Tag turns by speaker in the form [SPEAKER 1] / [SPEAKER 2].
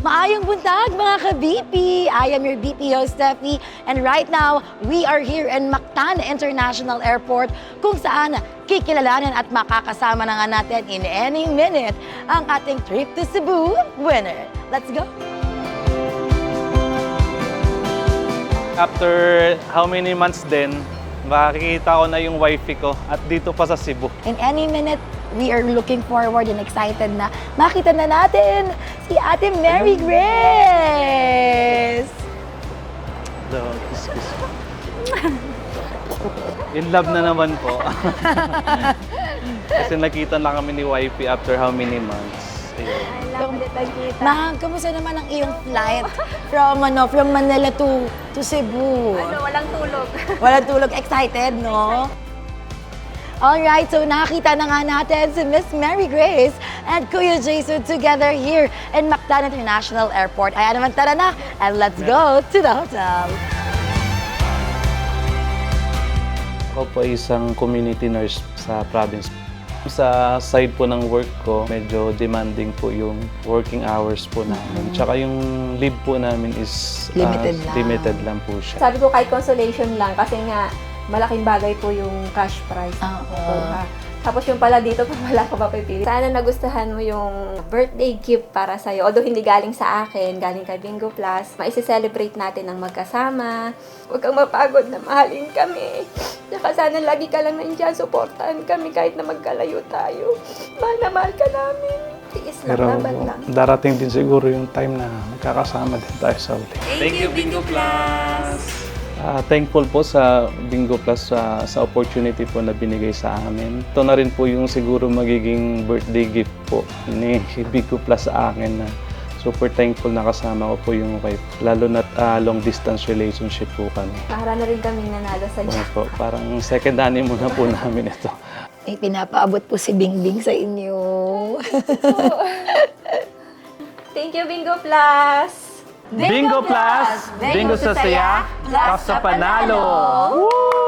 [SPEAKER 1] Maayong buntag mga ka-BP! I am your BP host, Steffi. And right now, we are here in Mactan International Airport kung saan kikilalanin at makakasama na nga natin in any minute ang ating trip to Cebu winner. Let's go!
[SPEAKER 2] After how many months din, makikita ko na yung wifey ko at dito pa sa Cebu.
[SPEAKER 1] In any minute, we are looking forward and excited na makita na natin si Ate Mary Grace!
[SPEAKER 2] So, kiss. In love na naman po. Kasi nakita na kami ni wifey after how many months. Ayun.
[SPEAKER 1] Ma'am, kamusta naman ang iyong flight from Manila to Cebu?
[SPEAKER 3] Walang tulog.
[SPEAKER 1] Walang tulog. Excited, no? Alright, so nakita na nga natin si Miss Mary Grace and Kuya Jason together here in Mactan International Airport. Ayan naman, tara na, and let's go to the hotel.
[SPEAKER 2] Ako po isang community nurse sa province. Sa side po ng work ko, medyo demanding po yung working hours po namin. Tsaka yung leave po namin is limited lang po siya.
[SPEAKER 3] Sabi ko kahit consolation lang kasi nga malaking bagay po yung cash prize. Tapos yung pala dito pa wala ko mapipili. Sana nagustuhan mo yung birthday gift para sa'yo. Although hindi galing sa akin, galing kay Bingo Plus. Maisi-celebrate natin ang magkasama. Huwag kang mapagod na mahalin kami. Saka sana lagi ka lang nandiyan, supportahan kami kahit na magkalayo tayo. Mahal na mahal ka namin. Tiis lang,
[SPEAKER 4] Pero
[SPEAKER 3] laban lang.
[SPEAKER 4] darating din siguro yung time na magkakasama din tayo sa uli.
[SPEAKER 2] Thank you, Bingo Plus! Thankful po sa Bingo Plus sa opportunity po na binigay sa amin. Ito na rin po yung siguro magiging birthday gift po ni Bingo Plus sa akin na super thankful na kasama ko po yung wife. Lalo na long distance relationship po kami.
[SPEAKER 3] Para na rin kami nanalo sa
[SPEAKER 2] Ano po, parang second honeymoon na po namin ito.
[SPEAKER 1] May pinapaabot po si Bingbing sa inyo.
[SPEAKER 3] Thank you, Bingo Plus!
[SPEAKER 2] Bingo Plus! Bingo sa saya, plus sa panalo! Woo!